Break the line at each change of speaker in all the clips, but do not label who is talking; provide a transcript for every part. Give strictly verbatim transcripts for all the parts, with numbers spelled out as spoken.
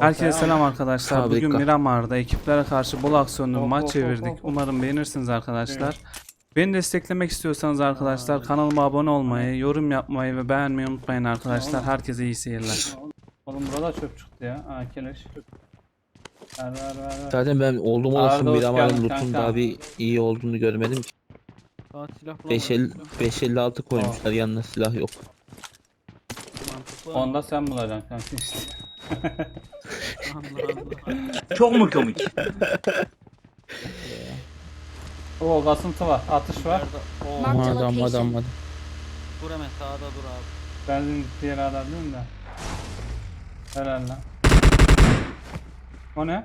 Herkese selam arkadaşlar.
Fabrika.
Bugün Miramar'da ekiplere karşı bol aksiyonlu bir
Hop,
maç
hop, hop,
çevirdik.
hop, hop.
Umarım beğenirsiniz arkadaşlar.
Evet.
Beni desteklemek istiyorsanız arkadaşlar
Aa,
kanalıma abone olmayı, yorum yapmayı ve beğenmeyi unutmayın arkadaşlar.
Oğlum.
Herkese iyi seyirler.
Oğlum burada çöp çıktı ya. Aa keleş. Ver ver ver ver.
Zaten ben oldum
Arda
olasın
hoş
bir amalın
geldin
loot'un
kanka.
daha bir iyi olduğunu görmedim ki.
Daha silah
beş elli altı koymuşlar, yanına silah yok.
Mantıklı.
Onda sen bulacaksın kanka işte.
Allah Allah.
Çok mu komik?
Oo kasıntı var. Atış var.
Nerede? Oo.
Marked a
Adam
location.
adam adam.
Dur hemen sağda dur abi.
Benzin gittiği yere aradın da. Helal lan. O ne?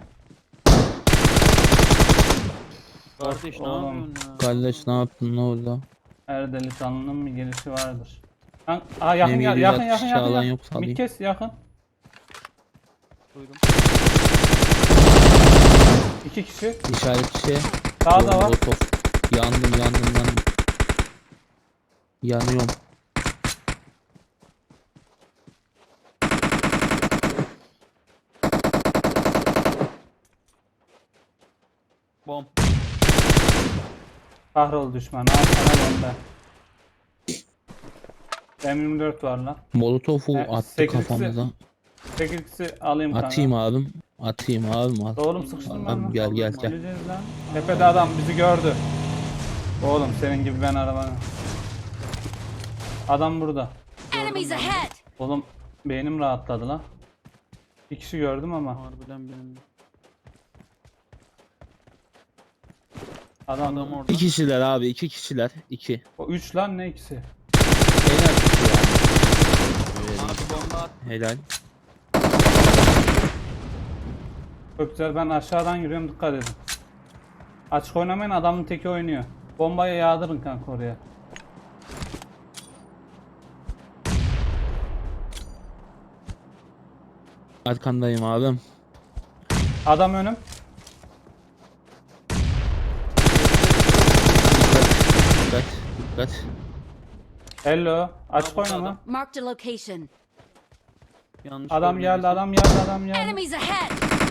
Kardeş ne
Oğlum.
yapıyorsun ya?
Kardeş ne yaptın, ne oldu?
Her delikanlının bir gelişi vardır. Lan, aa yakın
Benim
yakın
yedi yüz
yakın
altmış
yakın yakın.
alan
yakın.
yoksa alayım.
Bir kes yakın.
Duydum.
İki kişi.
İşaret şey.
Sağda var.
Molotov. Yandım yandım yandım. Yanıyorum.
Bom.
Kahrol düşman. Al sana bomba. M yirmi dört var lan.
Molotov'u
He,
attı
sekizlisi-
kafamıza.
sekizlisi alayım kanka.
Atayım abim. Atayım abim. At.
Oğlum sıkıştırma
Abim
lan.
gel gel gel.
Geleceğiz lan. Tepede adam bizi gördü. Oğlum senin gibi ben arabanı. Adam burada.
Enemies ahead!
Oğlum beynim rahatladı lan. Bir kişi gördüm ama.
Harbiden benim.
Adam,
Adam orada.
İki kişiler abi, iki kişiler. İki.
O üç lan ne ikisi?
En az iki yani. Öyle değil.
Abi bomba at.
Helal.
Çok güzel, ben aşağıdan yürüyorum, dikkat edin. Açık oynamayın, adamın teki oynuyor. Bombayı yağdırın kanka oraya.
Arkandayım abim.
Adam önüm.
Dikkat. Dikkat.
Hello. Açık
burada
oynama.
adam.
Marked a location.
Yanlış
Adam
görmüyorum.
geldi, adam geldi, adam geldi.
Enemies ahead!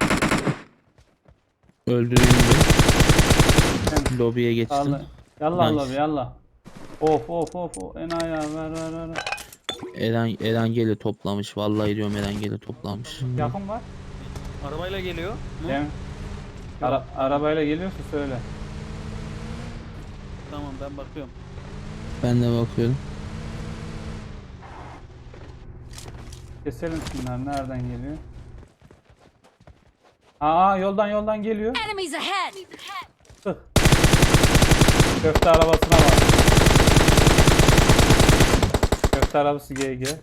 Öldürüldü. Lobiye geçtim.
Yallah. Yallah
Nice.
Allah yallah. Of of of of. Enayi ya, ver ver ver.
Eren Erengeli toplamış. Vallahi diyorum Erengeli toplamış.
Yakın var.
Arabayla geliyor. Mu?
Değil mi? Ara arabayla geliyorsa söyle.
Tamam ben bakıyorum.
Ben de bakıyorum.
Keselim şunlar, nereden geliyor? Aa yoldan yoldan geliyor.
Enemies ahead!
Sık. Köfte arabasına bak. Köfte arabası G G.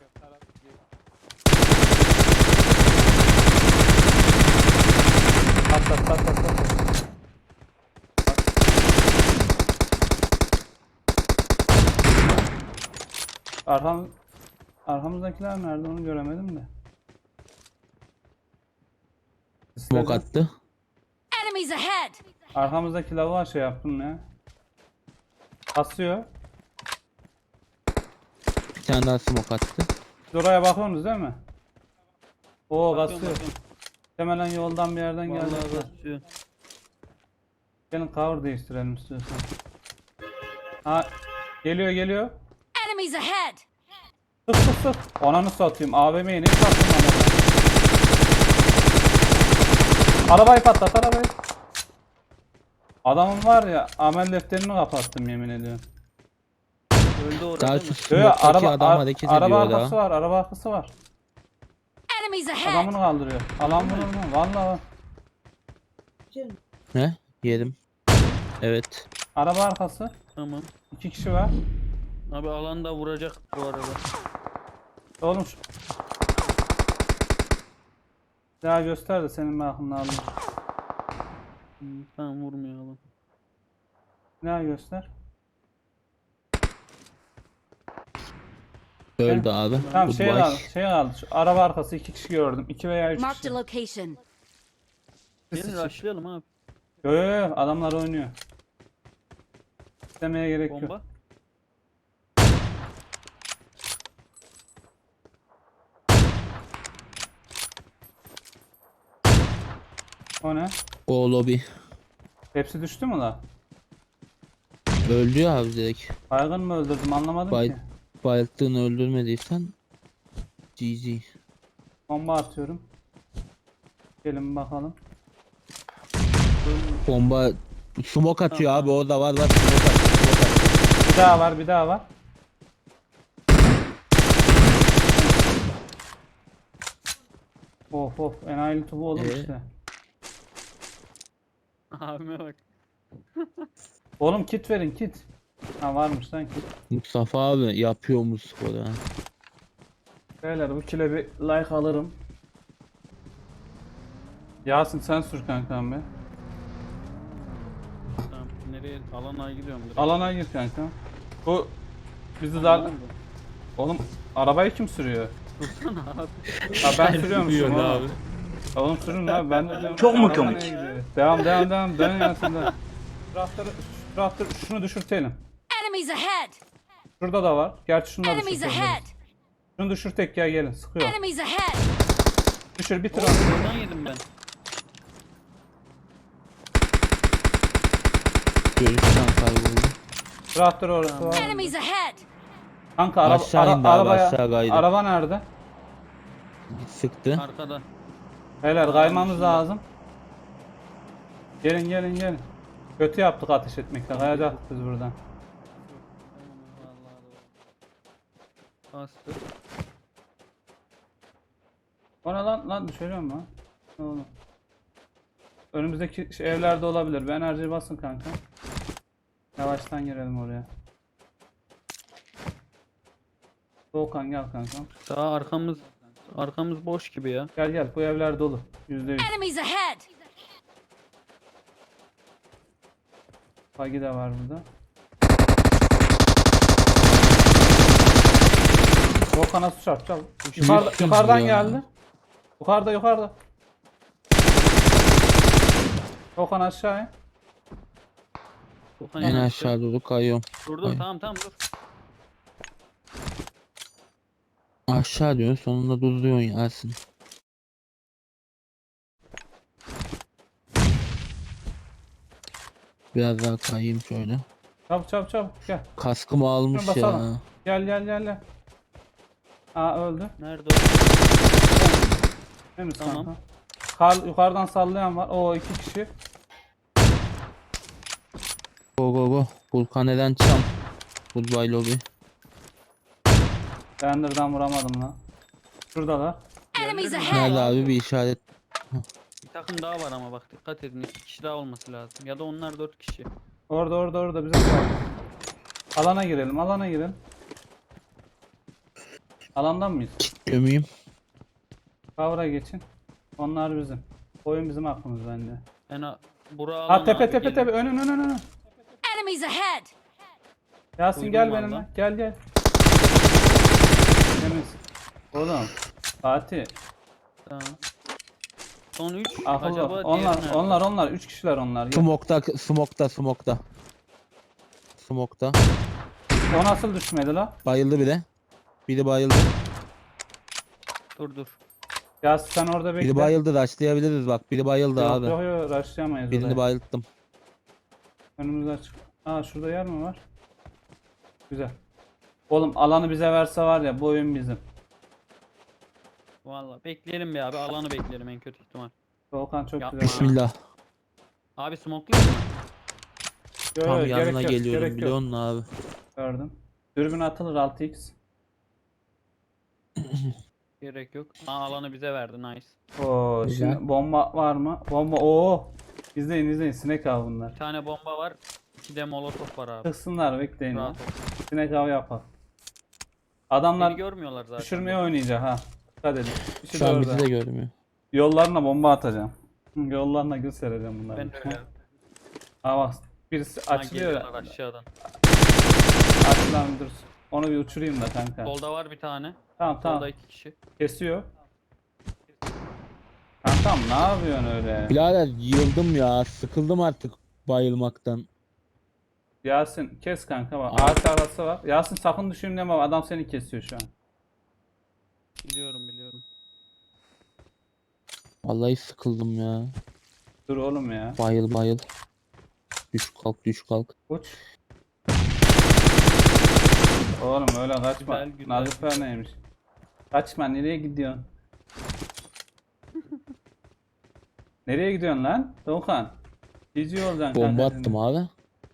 At at at at at. Arkam arkamızdakiler nerede onu göremedim de.
Smoke attı.
Enemies ahead!
Arkamızdaki lavuğa şey yaptım ya. Basıyor.
Bir tane daha smoke attı.
Siz oraya bakıyorsunuz değil mi? Oo
Bakıyorum,
basıyor.
bakıyorum.
Hemen yoldan bir yerden geldi.
Vallahi basıyor.
Gelin cover değiştirelim istiyorsan. Ha geliyor geliyor.
Enemies ahead!
Sık sık sık. Ananı satayım. A V M'yi ne sattım araba? Arabayı patlat arabayı. Adamın var ya, amel defterini kapattım yemin ediyorum.
Öldü orada
Daha
değil mi?
şu
Yo,
smoke'taki
araba,
adam
ar-
hareket
araba
ediyor
arkası
daha.
var, araba arkası var.
Enemies ahead!
Adamını kaldırıyor. Alan vurur mu? Vallahi.
Ne? Yedim. Evet.
Araba arkası.
Tamam.
İki kişi var.
Abi alanda vuracak bu arada.
Oğlum şu... Ya göster de senin ben aklını alayım.
Hmm, tamam vurmayalım.
Ne göster.
Öldü abi.
Tamam şey
Goodbye.
kaldı, şey kaldı. Şu araba arkası iki kişi gördüm. İki veya üç
Marked
kişi.
a location.
Gelin rushlayalım abi.
Yo yo yo, adamlar oynuyor. İstemeye gerek yok.
Bomba.
O ne?
O lobi.
Hepsi düştü mü la?
Öldü ya abi direkt.
Baygın mı öldürdüm anlamadım
Bay
ki.
bayılttığını öldürmediysen G G.
Bomba atıyorum. Gelin bakalım.
Bomba smoke atıyor abi, orada var var smoke atıyor, smoke atıyor.
Bir daha var bir daha var. Of of enayili tubu oğlum
Ee?
işte.
Abime bak.
Oğlum kit verin kit. Ha varmış lan kit.
Mustafa abi yapıyor mu skoru ha?
Beyler bu kile bir like alırım. Yasin sen sür kankam be.
Tamam. Nereye? Alana gidiyorum direkt.
Alana gir kanka. Bu bizi
Ne
dar...
oldu?
Oğlum arabayı kim sürüyor?
Dursana abi.
Ha ben sürüyormuşum
Sürüyorsun
oğlum.
abi.
Oğlum sürün abi ben de diyorum.
Çok mu
araba
komik?
nereye gidiyor? Devam devam devam dön Yasin dön. Traktörü, traktör şunu düşürtelim.
Enemies ahead!
Şurada da var. Gerçi şunu da
Enemies
düşürtelim.
ahead!
Şunu düşürtek ya gelin sıkıyor.
Enemies ahead!
Düşür bitir
Oğlum
onu.
buradan yedim ben.
Görüşten kayboldu.
Traktör orası var.
Enemies ahead!
Kanka araba,
Aşağı
ara,
indi abi,
arabaya,
aşağı kaydı.
araba nerede?
Sıktı.
Arkada.
Beyler kaymamız lazım. Gelin gelin gelin. Kötü yaptık ateş etmekle. Kayacaktık biz buradan.
Vallahi doğru. Bastı.
O ne lan? Lan düşürüyorum lan. Ne oğlum? Önümüzdeki şey, evlerde olabilir. Ben enerjiyi basın kanka. Yavaştan girelim oraya. Doğukan gel kanka.
Daha arkamız arkamız boş gibi ya.
Gel gel bu evler dolu. Yüzde yüz.
Enemies ahead!
Bagi de var burada. Doğukan'a su çarp çabuk. Yukarıda,
Yüzsüz
yukarıdan
ya.
geldi. Yukarıda yukarıda. Doğukan aşağıya.
Okan
En
yanaştı.
aşağı doğru kayıyorum.
Dur dur
Ay.
tamam tamam dur.
Aşağı diyorsun, sonunda duruyorsun Yasin. Biraz daha kayayım şöyle.
Çabuk çabuk çabuk gel.
Kaskımı almış
Şuna
ya.
basalım. Gel gel gel gel. Aa öldü.
Nerede o?
Temiz
Tamam.
kanka. Kar yukarıdan sallayan var. Oo iki kişi.
Go go go. Vulkaneden çam. Goodbye lobby.
Render'dan vuramadım lan. Şuradalar.
Enemies
Nerede
ahead!
abi, bir işaret.
Bir takım daha var ama bak dikkat edin. İki kişi daha olması lazım. Ya da onlar dört kişi.
Orada orada orada bize kaldı. Alana girelim alana girelim. Alandan mıyız?
Gömeyim.
Kavra geçin. Onlar bizim. Oyun bizim aklımız bence.
En a bura
Ha
alan
tepe
abi,
tepe
gelin.
tepe önün önün önün.
Enemies ahead!
Yasin
Duydum
gel
valla.
benimle. Gel gel. Temiz. Oğlum. Fatih.
Tamam. Son üç.
Akıllı.
Acaba
Onlar
diğeri nerede?
onlar onlar. Üç kişiler onlar. Gel.
Smokta, smokta, smokta. Smokta.
O nasıl düşmedi la?
Bayıldı bile. Biri bayıldı.
Dur dur.
Yasin sen orada bekle.
Biri bayıldı, rushlayabiliriz bak. Biri bayıldı
Yok
abi.
yok yok rushlayamayız
Birini
oraya.
bayılttım.
Önümüz açık. Aa şurada yer mi var? Güzel. Oğlum alanı bize verse var ya bu oyun bizim.
Valla bekleyelim bir abi. Alanı bekleyelim en kötü ihtimal.
Volkan çok
Yapma.
güzel.
Bismillah.
Abi smoke'layayım mı?
Yok,
Tam
yok,
yanına
gerek yok,
geliyorum
gerek
biliyor
yok.
musun abi?
Gördüm. Dürbün atılır altı x.
Gerek yok. Aa, alanı bize verdi. Nice.
Oo
Güzel.
şimdi bomba var mı? Bomba oo. İzleyin izleyin sinek av bunlar.
Bir tane bomba var. İki de molotof var abi.
Tıksınlar bekleyin.
Rahat
ya.
ol.
Sinek av yapar.
Beni
Adamlar
görmüyorlar zaten.
düşürmeye oynayacak ha. Dikkat edin. İşi
Şu
de
an
orada.
bizi de görmüyor.
Yollarına bomba atacağım. Hı, Yollarına gül sereceğim bunları.
Ben de öyle.
Aa bak birisi
Ha,
açılıyor.
geliyorlar aşağıdan.
Aç lan dur. Onu bir uçurayım da kanka.
Solda var bir tane.
Tamam
Solda
tamam.
iki kişi.
Kesiyor. Kankam ne yapıyorsun öyle?
Birader yıldım ya. Sıkıldım artık bayılmaktan.
Yasin kes kanka bak.
Aa.
Ağaç arası var. Yasin sakın düşeyim deme adam seni kesiyor şu an.
Biliyorum biliyorum.
Vallahi sıkıldım ya.
Dur oğlum ya.
Bayıl bayıl. Düş kalk düş kalk.
Uç. Oğlum öyle kaçma.
Güzel, güzel,
Nazifer
güzel.
neymiş? Kaçma, nereye gidiyorsun? Nereye gidiyorsun lan? Doğukan. Geziyor olacaksın
Bomba
kanka
attım abi.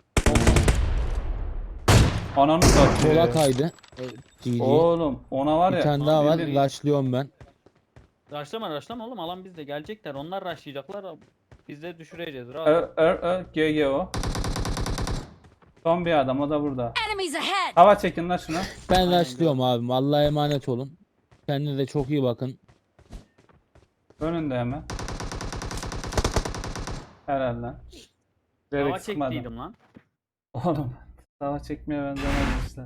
Ananı satıyor.
Sola kaydı. G G.
Oğlum ona var
Bir
ya.
tane daha var.
bildiğin-
Rushlıyorum ben.
Raşlama raşlama oğlum, alan bizde, gelecekler. Onlar raşlayacaklar. Biz de düşüreceğiz. Rahat.
Ö ö ö G G o. Son bir adam, o da burada.
Enemies ahead!
Hava çekin lan şuna.
Ben
Aynen,
rushlıyorum abim. Allah'a emanet olun. Kendinize çok iyi bakın.
Önünde hemen. Herhalde.
Hava
Direkt sıkmadım.
çektiydim lan.
Oğlum. Hava çekmeye benzemez işler.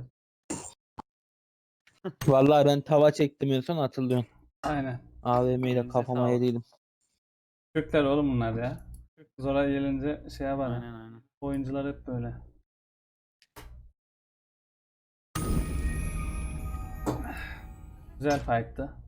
Vallahi ben tava çektim en son hatırlıyorum.
Aynen.
A V M ile
Elinize
kafama
sağlık.
yediydim.
Türkler oğlum bunlar ya. Zora gelince şey yapar.
Aynen aynen.
Oyuncular hep böyle. Güzel fight'tı.